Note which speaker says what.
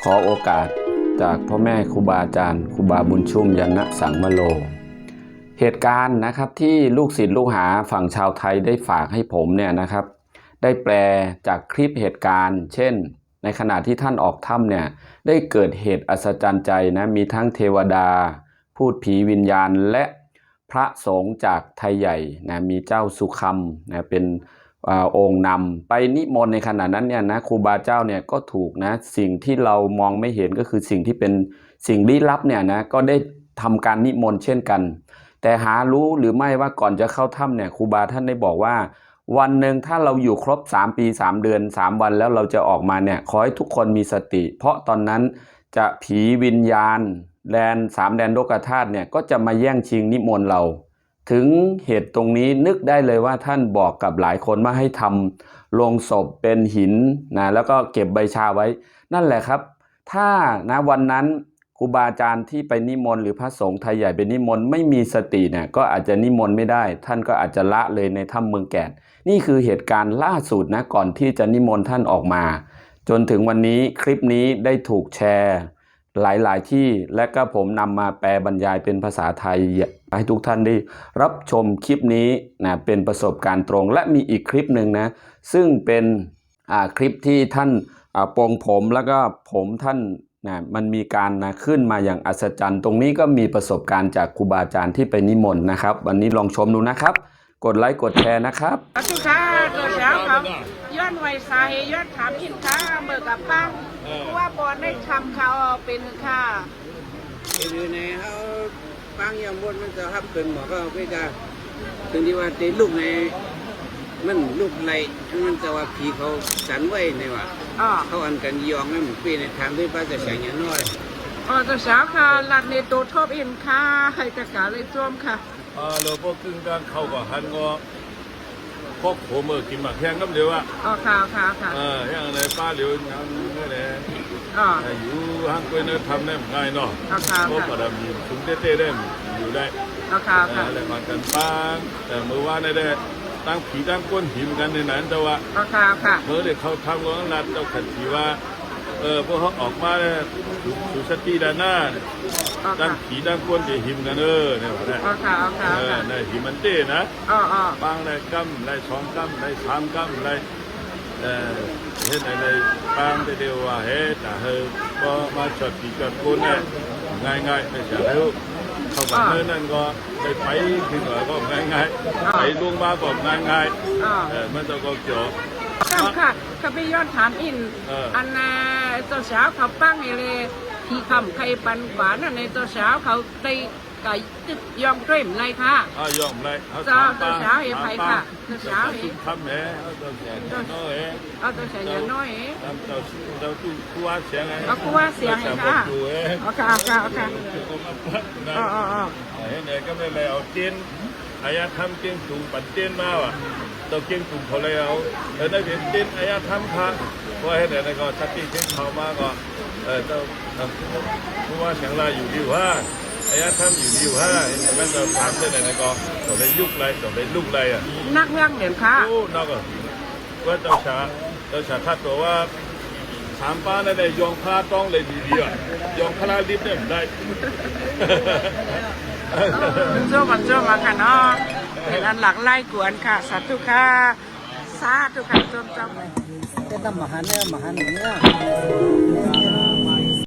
Speaker 1: ขอโอกาสจากพ่อแม่ครูบาอาจารย์ครูบาบุญชุ่มยันนะสังมโลเหตุการณ์นะครับที่ลูกศิษย์ลูกหาฝั่งชาวไทยได้ฝากให้ผมเนี่ยนะครับได้แปลจากคลิปเหตุการณ์เช่นในขณะที่ท่านออกถ้ำเนี่ยได้เกิดเหตุอัศจรรย์ใจนะมีทั้งเทวดาพูดผีวิญญาณและพระสงฆ์จากไทยใหญ่นะมีเจ้าสุคำนะเป็นองค์นำไปนิมนต์ในขณะนั้นเนี่ยนะครูบาเจ้าเนี่ยก็ถูกนะสิ่งที่เรามองไม่เห็นก็คือสิ่งที่เป็นสิ่งลี้ลับเนี่ยนะก็ได้ทำการนิมนต์เช่นกันแต่หารู้หรือไม่ว่าก่อนจะเข้าถ้ำเนี่ยครูบาท่านได้บอกว่าวันหนึ่งถ้าเราอยู่ครบ3 ปี3 เดือน3 วันแล้วเราจะออกมาเนี่ยขอให้ทุกคนมีสติเพราะตอนนั้นจะผีวิญญาณแดน3 แดนโลกธาตุเนี่ยก็จะมาแย่งชิงนิมนต์เราถึงเหตุตรงนี้นึกได้เลยว่าท่านบอกกับหลายคนว่าให้ทำโลงศพเป็นหินนะแล้วก็เก็บใบชาไว้นั่นแหละครับถ้านะวันนั้นครูบาอาจารย์ที่ไปนิมนต์หรือพระสงฆ์ไทยใหญ่ไปนิมนต์ไม่มีสติเนี่ยก็อาจจะนิมนต์ไม่ได้ท่านก็อาจจะละเลยในถ้ำเมืองแก่นนี่คือเหตุการณ์ล่าสุดนะก่อนที่จะนิมนต์ท่านออกมาจนถึงวันนี้คลิปนี้ได้ถูกแชร์หลายๆที่และก็ผมนำมาแปลบรรยายเป็นภาษาไทยให้ทุกท่านได้รับชมคลิปนี้นะเป็นประสบการณ์ตรงและมีอีกคลิปหนึ่งนะซึ่งเป็นคลิปที่ท่านปรงผมแล้วก็ผมท่านนะมันมีการนะขึ้นมาอย่างอัศจรรย์ตรงนี้ก็มีประสบการณ์จากครูบาอาจารย์ที่ไปนิมนต์นะครับวันนี้ลองชมดูนะครับกดไลค์กดแชร์นะครับ
Speaker 2: ขอบคุณค่ะตัวเช้าครับย้อนไวสาเหตุย้อนถามอินค่ะเมื่อกับป้าว่าบอลได้ทำเขาเป็นค่ะ
Speaker 3: คือในเขาฟังยามบนมันจะทับเป็นหมอก็ไม่กล้าถึงที่ว่าตีลูกในมันลูกไรมันจะว่าผีเขาสันไว้ในว่าเขาอันกันยองนั่นปีในทางที่ป้าจะใส่เงี้ยน้อย
Speaker 2: ตัวเช้าค่ะหลัดในตัวทบอินค่ะให้ตะกาเลยจ้วมค่ะ
Speaker 4: เราพวกกึ่งการเข้ากับฮันก็พวกผมกินหมักแห้งน้ำเดียวอ่ะ
Speaker 2: ค่ะ
Speaker 4: อย่างไรป้าเหลียวยังนี่แหละอยู่ห้างกล้วยเนื้อทำได้ง่ายเนาะเพราะประดับมีถุงเต้ได้อยู่ได้อะไรมากันป้าแต่เมื่อวานได้ตั้งผีตั้งก้นผีเหมือนกันในนั้นแต่ว่าเมื่อเด็กเขาทำก็รัดเจ้าขันผีว่าพวกเขาออกมาเนี่ยสุสติด้านหน้าตั้งผีตั้งก้นจะหิมกันเนี่ยว่าได้ในหิมันเต้นะบางในกัมใน2 กัมใน3 กัมในเห็นในบางเดียวว่าเฮ้แต่ก็มาจดผีจดก้นเนี่ยง่ายๆไม่ใช่แล้วเข้าไปนั่นก็ไปถึงก็ง่ายๆไปลงมาก็ง่ายๆมันจะก็เกี่ยว
Speaker 2: ค่ะเขาไปย้อนถามอินอันน่ะตัวเช้าเขาปั้งเลยที่คำใครปันขวานในตัวเช้าเขาได้ไก่ตึกยอมเกรมไรค่ะ
Speaker 4: ยอมไร
Speaker 2: ตัวเช้าเอ๋ไผ่ค่ะตัวเช้าเอ๋
Speaker 4: ทำแหมตัวแสนน้อย
Speaker 2: ตัวแสนน้อย
Speaker 4: เราคู่ว่าเสียงไง
Speaker 2: คู่ว่าเสียงค่ะค่ะ
Speaker 4: เห็นไหมก็ไม่เลยเอาเตียนอายาทำเตียนสูงปัดเตียนมาว่ะตัวเตียนสูงเขาเลยเอาแล้วได้เตียนอายาทำค่ะเพราะเห็นไหนก็ชัดที่เตียนเขามาก็เจ้าคู่ว่าเสียงลายอยู่ดีว่าอายาทำอยู่ดีว่ามันจะถามได้ไหนก็ตัวได้ยุกไรตัวได้ลุกไรอ่ะ
Speaker 2: นักเรื่องเด่นค่ะ
Speaker 4: โอ้นักอ่ะว่าเจ้าชาทัดตัวว่า3 ป้าได้ยองพาต้องเลยดีๆอ่ะยองพลาลิฟเนี่ยได้
Speaker 2: โจ้มาค่ะเนาะเป็นอันหลักไล่กวนค่ะสาธุค่ะสาธุค่ะจมเลย
Speaker 3: จะทำมหาเนี่ย